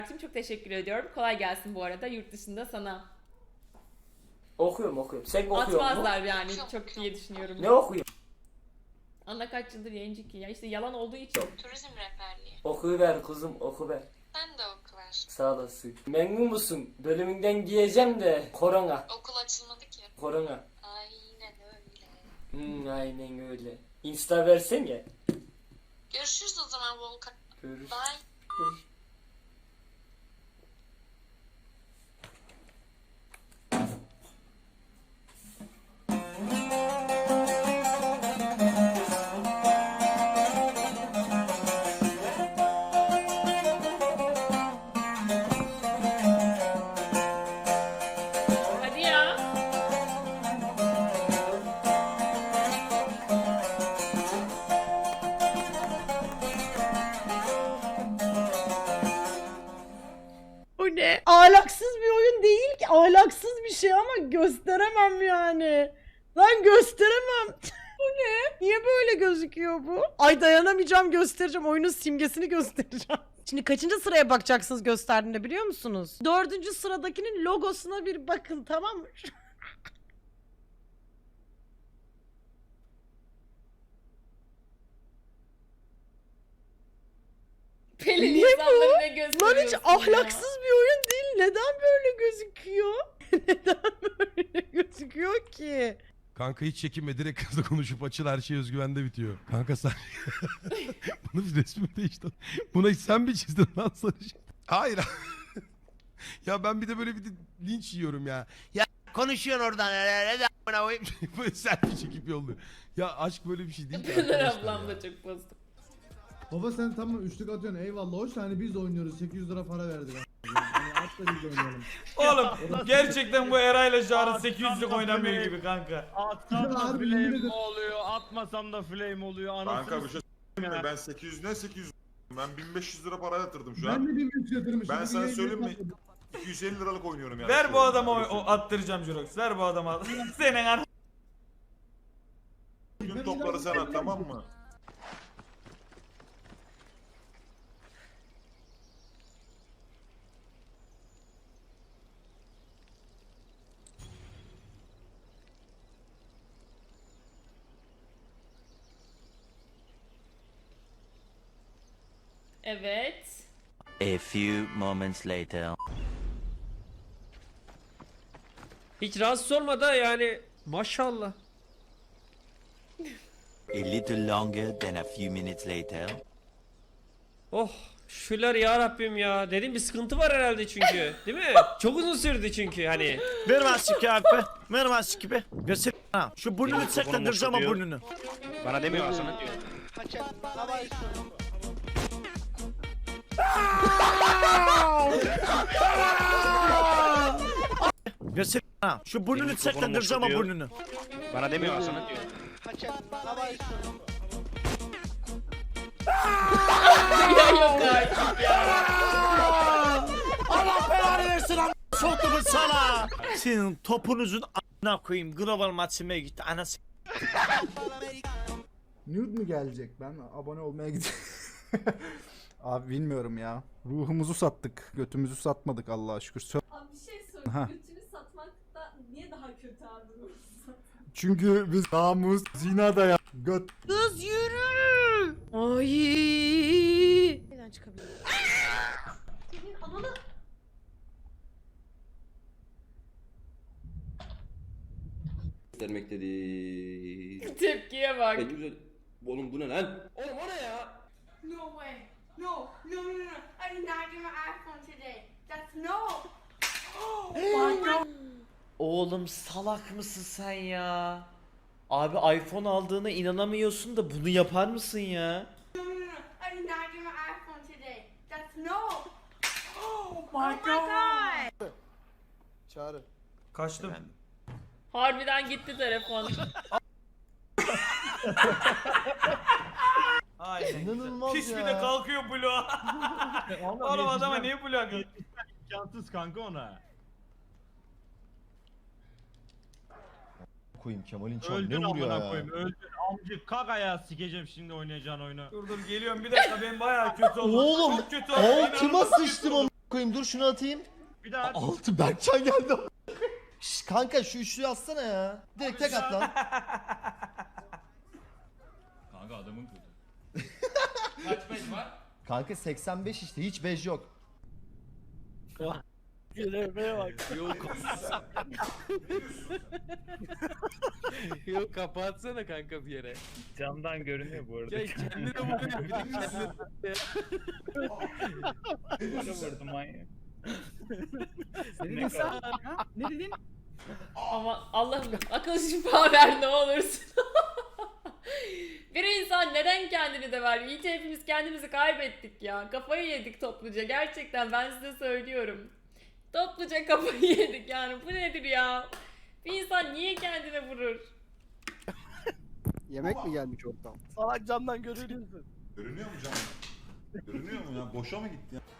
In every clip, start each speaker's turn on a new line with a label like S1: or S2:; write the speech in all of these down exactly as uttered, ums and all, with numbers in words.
S1: Çok teşekkür ediyorum. Kolay gelsin bu arada yurt dışında sana.
S2: Okuyorum okuyorum. Sen okuyor musun?
S1: Atmazlar yani çok diye düşünüyorum.
S2: Ne okuyorsun?
S1: Ana kaç yıldır yayıncı ki ya işte yalan olduğu için.
S3: Turizm rehberliği.
S2: Okuver kızım okuver.
S3: Sen de oku ver.
S2: Sağ olasın. Memnun musun? Bölümünden giyeceğim de korona.
S3: Okul açılmadı ki.
S2: Korona.
S3: Aynen öyle.
S2: Hmm, aynen öyle. Insta versene.
S3: Görüşürüz o zaman Volkan.
S2: Görüş.
S3: Bye.
S2: Görüş.
S1: Hadi ya.
S4: O ne? Ahlaksız bir oyun değil ki. Ahlaksız bir şey ama gösteremem yani. Lan gösteremem. Bu ne? Niye böyle gözüküyor bu? Ay dayanamayacağım, göstereceğim. Oyunun simgesini göstereceğim. Şimdi kaçıncı sıraya bakacaksınız gösterdiğinde biliyor musunuz? Dördüncü sıradakinin logosuna bir bakın, tamam mı?
S1: Pelin
S4: Niye
S1: insanları ne
S4: Lan
S1: gösteriyorsun
S4: hiç
S1: ya?
S4: ahlaksız bir oyun değil. Neden böyle gözüküyor? Neden böyle gözüküyor ki?
S5: Kanka hiç çekinme, direkt kızla konuşup açıl, her şey özgüvende bitiyor. Kanka sen... Bunu bir resmi değişti. Buna hiç sen mi çizdin lan sarışın? Hayır. Ya ben bir de böyle bir de linç yiyorum ya. Ya konuşuyorsun oradan. Böyle selfie çekip yolluyor. Ya aşk böyle bir şey değil ki
S1: Pınar
S5: arkadaşlar
S1: ablam
S5: ya.
S1: da çok bozdu.
S6: Baba sen tamam üçlük atıyorsun eyvallah hoş hani biz de oynuyoruz sekiz yüz lira para verdik. Hani at da biz de oynayalım.
S7: Oğlum gerçekten bu Eray'la Çağrı sekiz yüzlük oynamıyor
S8: flame.
S7: gibi kanka.
S8: Atsam da
S6: Harbi yemin
S8: flame
S6: ederim.
S8: oluyor, atmasam da flame oluyor. Anasını
S9: Kanka bir şey söyleyeyim mi?
S8: ya.
S9: Ben sekiz yüz ne sekiz yüz? Ben bin beş yüz lira para yatırdım şu
S6: Ben
S9: an.
S6: de bir üç yatırmışım.
S9: Ben
S6: bir
S9: sana
S6: yayın
S9: söyleyeyim mi?
S6: yapmadım.
S9: iki yüz elli liralık oynuyorum yani.
S7: Ver
S9: şu
S7: bu
S9: an.
S7: adama o,
S9: Öyle
S7: o
S9: söyleyeyim.
S7: attıracağım Jurox. Ver bu adama. Senin an.
S9: Gün topları sen at tamam mı?
S1: Evet.
S10: A few moments later.
S11: Hiç rahatsız olma da yani maşallah.
S10: A little longer than a few minutes later.
S11: Oh şükürler ya Rabbim ya. Dedim bir sıkıntı var herhalde çünkü. Değil mi? Çok uzun sürdü çünkü hani.
S8: Ver maske abi. Ver maske be. Göster. Ha, şu burnunu çeklendireceğim ama burnunu.
S11: Bana demiyor aslında diyor.
S8: Göster. Ha, şu burnunu çeklendireceğim ama burnunu.
S11: Bana demiyor aslında diyor.
S1: Ya yok artık ya.
S8: Allah belanı versin am. Soktumun sana. Senin topunuzun a**ına koyayım. Global maçıma gitti. Anası.
S6: Nude mu gelecek? Ben abone olmaya gidiyorum. Abi bilmiyorum ya. Ruhumuzu sattık. Götümüzü satmadık Allah'a şükür. Sö-
S12: Abi bir şey sorayım.
S6: Ha.
S12: Götünü satmak da niye daha kötü abi ruhsat?
S6: Çünkü biz namus, zina da ya. Göt.
S4: Kız yürü. Ay. Neden çıkabilir?
S12: Senin ananı...
S13: Vermek dedi.
S1: Tepkiye bak.
S13: En güzel. Oğlum bu ne lan? Oğlum o ne ya?
S3: No way. No. No no no. I did not get my iPhone today. That's no.
S8: Oğlum salak mısın sen ya? Abi iPhone aldığına inanamıyorsun da bunu yapar mısın ya?
S3: No no no. I did not get my iPhone today. That's no. Oh my god.
S6: Çağrı.
S7: Kaçtım.
S1: Harbiden gitti telefon.
S7: Aynen.
S6: İnanılmaz
S7: Pis
S6: ya.
S7: bir de kalkıyor bloğa. Oğlum adama niye bloğa kalkıyor?
S8: İmkansız kanka ona.
S6: Koyayım Kemal'in çarı
S8: Öldün
S6: ne vuruyor
S8: amına
S6: ya?
S8: koyayım öldün. Amcık kak ayağı sikeceğim şimdi oynayacağın oyunu.
S7: Dur dur geliyorum bir dakika ben bayağı kötü oldum.
S8: Oğlum,
S7: Çok kötü oldum.
S8: altıma
S7: İnanılmaz kötü
S8: sıçtım
S7: oldum.
S14: Koyayım dur şunu atayım.
S7: Bir daha.
S14: Altı Berkcan geldi. Şş, kanka şu üçlüyü atsana ya. Direkt tek at lan.
S7: Kanka adamın kötü.
S11: Kaç beş var?
S14: Kanka seksen beş işte hiç bej yok.
S2: Göreveye bak.
S13: Yok.
S2: Yok kapatsana kanka bir yere.
S7: Camdan görünüyor bu arada.
S2: Ya kendine vuruyor bir de kendine.
S7: Bana vurdu manyak.
S2: Ne dedin sen?
S12: Ne dedin?
S1: Ama Allah'ım akıl şifa ver ne olursun. Bir insan neden kendini de ver? İyice hepimiz kendimizi kaybettik ya. Kafayı yedik topluca. Gerçekten ben size söylüyorum. Topluca kafayı yedik yani. Bu nedir ya? Bir insan niye kendine vurur?
S2: Yemek mi gelmiş oradan? Salak camdan görünüyorsun.
S9: Görünüyor mu canım? Görünüyor mu ya? Boşa mı gitti ya?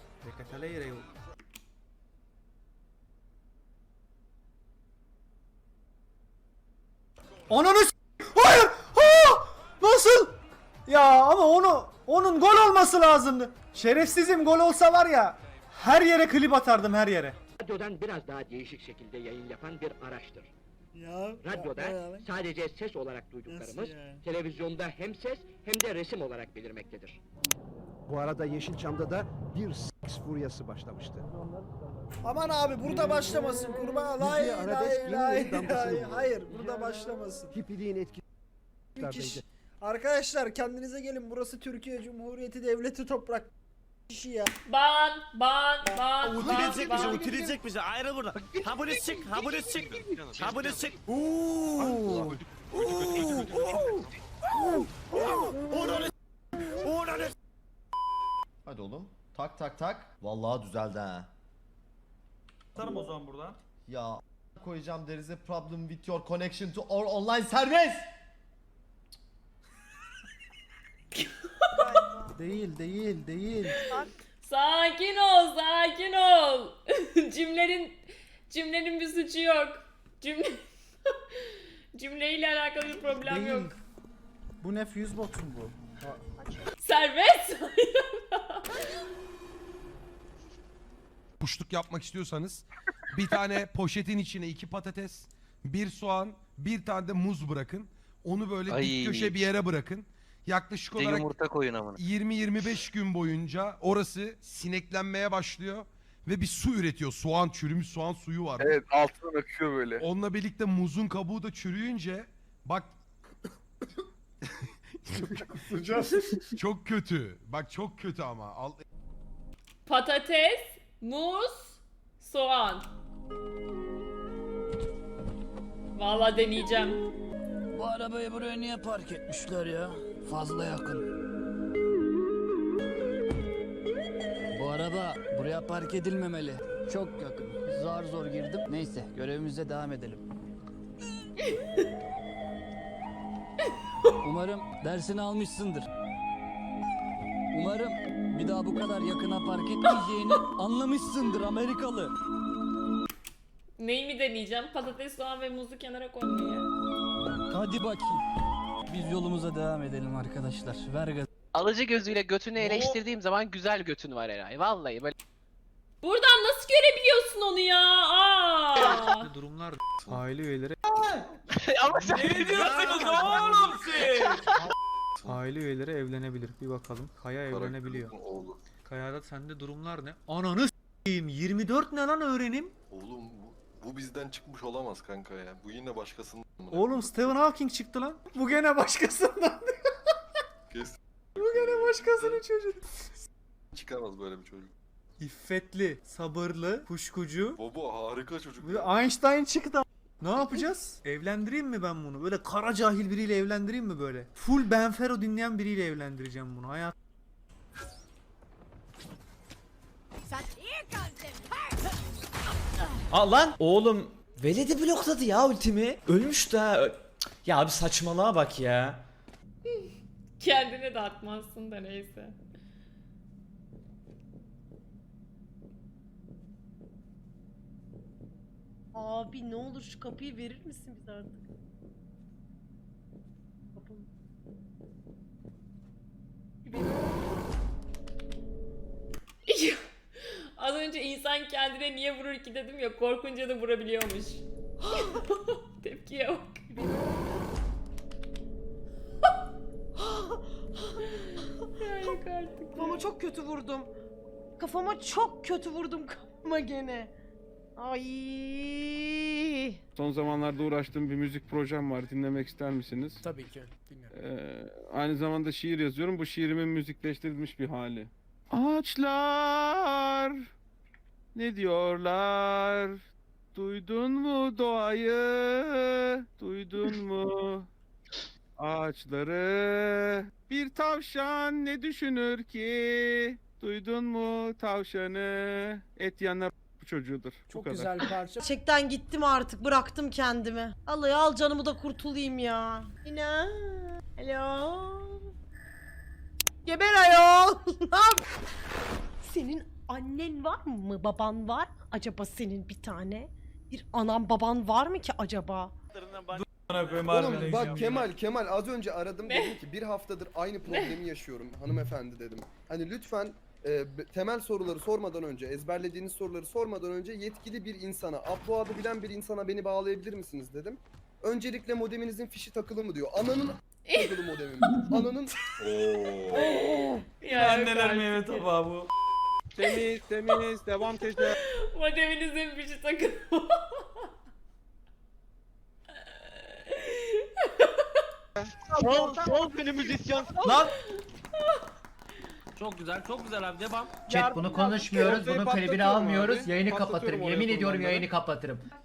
S6: Ananı s- Hayır! Ha! Nasıl? Ya ama onu onun gol olması lazımdı. Şerefsizim, gol olsa var ya her yere klip atardım, her yere.
S2: Radyodan biraz daha değişik şekilde yayın yapan bir araçtır.
S6: Ya
S2: Radyoda sadece ses olarak duyduklarımız, televizyonda hem ses hem de resim olarak belirmektedir.
S15: Bu arada Yeşilçam'da da bir seks furyası başlamıştı.
S6: Aman abi burada başlamasın kurban. Lay
S15: Müziğe arabesk
S6: lay
S15: yeni
S6: lay
S15: yeni damgasını
S6: lay.
S15: vurdu.
S6: Hayır burada başlamasın.
S15: Hippiliğin etkisi.
S6: Müthiş. Arkadaşlar kendinize gelin, burası Türkiye Cumhuriyeti Devleti toprak kişi ya.
S1: Ban, ban, ban,
S2: Utilecek
S1: ban,
S2: bizi,
S1: ban.
S2: utilecek bizi. Ayrı burada. Ha bunu çık, ha bunu çık. Ha bunu çık.
S14: Hadi oğlum. Tak tak tak. Vallahi düzeldi ha.
S7: Atarım o zaman buradan.
S14: Ya koyacağım, there is a problem with your connection to our online service.
S6: Değil değil değil.
S1: Sakin ol, sakin ol. Cümlenin cümlenin bir suçu yok. Cümle cümleyle alakalı bir problem
S6: Değil.
S1: yok.
S6: Bu ne, fuse box mu bu?
S1: Serbest.
S5: Kuşluk yapmak istiyorsanız bir tane poşetin içine iki patates, bir soğan, bir tane de muz bırakın. Onu böyle
S13: Ay.
S5: dik köşe bir yere bırakın. Yaklaşık olarak
S13: Yumurta koyun amına.
S5: yirmi yirmi beş gün boyunca orası sineklenmeye başlıyor ve bir su üretiyor. Soğan, çürümüş soğan suyu var.
S13: Evet, altından akıyor böyle.
S5: Onunla birlikte muzun kabuğu da çürüyünce bak çok kötü. Bak çok kötü ama. Al...
S1: Patates, muz, soğan. Vallahi deneyeceğim.
S2: Bu arabayı buraya niye park etmişler ya? Fazla yakın. Bu araba buraya park edilmemeli. Çok yakın. Zar zor girdim. Neyse görevimize devam edelim. Umarım dersini almışsındır. Umarım bir daha bu kadar yakına park etmeyeceğini anlamışsındır Amerikalı.
S1: Neyi mi deneyeceğim? Patates, soğan ve muzu kenara koymayı.
S2: Hadi bakayım. Biz yolumuza devam edelim arkadaşlar. Ver gaz.
S13: Alıcı gözüyle götünü eleştirdiğim zaman güzel götün var Eray. Vallahi böyle.
S1: Buradan nasıl görebiliyorsun onu ya? Aa!
S2: Durumlar
S6: Aile üyeleri
S13: Ama sen
S7: Ne diyorsunuz oğlum siz?
S6: aile üyeleri evlenebilir. Bir bakalım. Kaya evlenebiliyor.
S9: Oğlum.
S2: Kayada sende durumlar ne? Ananı s**eyim. yirmi dört ne lan öğrenim?
S9: Oğlum bu, bu bizden çıkmış olamaz kanka ya. Bu yine başkasının.
S6: Oğlum Stephen Hawking çıktı lan. Bu gene başkasından.
S9: Kes.
S6: Bu gene başkasının çocuğu.
S9: Çıkamaz böyle bir çocuk.
S6: İffetli, sabırlı, kuşkucu.
S9: Baba harika çocuk.
S6: Bir Einstein çıktı. Ne yapacağız? Evlendireyim mi ben bunu? Böyle kara cahil biriyle evlendireyim mi böyle? Full Benfero dinleyen biriyle evlendireceğim bunu. Hayat.
S8: Aa lan oğlum Veledi blokladı ya ultimi. Ölmüş de. Ö- Ya abi saçmalığa bak ya.
S1: Kendine de atmazsın da neyse.
S12: Abi ne olur şu kapıyı verir misin bize artık? Kapım.
S1: Adam önce insan kendine niye vurur ki dedim ya, korkunca da vurabiliyormuş. Tepkiye bak. Ya yok artık.
S4: Kafama çok kötü vurdum. Kafama çok kötü vurdum kafama gene. Ay.
S16: Son zamanlarda uğraştığım bir müzik projem var. Dinlemek ister misiniz?
S2: Tabii ki. Dinliyorum.
S16: Ee, aynı zamanda şiir yazıyorum. Bu şiirimin müzikleştirilmiş bir hali. Ağaçlar ne diyorlar? Duydun mu doğayı? Duydun mu ağaçları? Bir tavşan ne düşünür ki? Duydun mu tavşanı? Et yanar bu çocuğudur. Bu
S2: Çok
S16: kadar.
S2: güzel bir parça.
S4: Gerçekten gittim artık, bıraktım kendimi. Allah ya, al canımı da kurtulayım ya. İnan. Alo. Geber ayol. Ne yap- Senin annen var mı? Baban var mı? Acaba senin bir tane? Bir anan baban var mı ki acaba?
S7: Oğlum
S14: Bak Kemal Kemal az önce aradım dedim ki bir haftadır aynı problemi yaşıyorum hanımefendi dedim. Hani lütfen e, b- temel soruları sormadan önce, ezberlediğiniz soruları sormadan önce yetkili bir insana, upload'ı bilen bir insana beni bağlayabilir misiniz dedim. Öncelikle modeminizin fişi takılı mı diyor. Ananın takılı modemim. Ananın
S1: Ya yok
S7: Anneler
S1: artık.
S7: meyve tabağı bu.
S16: Temiz temiz devam teyze.
S1: Modeminizin bir şey takın.
S14: Sol sol beni müzisyen.
S7: Lan. Çok güzel, çok güzel abi, devam.
S16: Chat bunu konuşmuyoruz. Bunun klibini almıyoruz. Yayını kapatırım. Yemin ediyorum yayını
S14: kapatırım.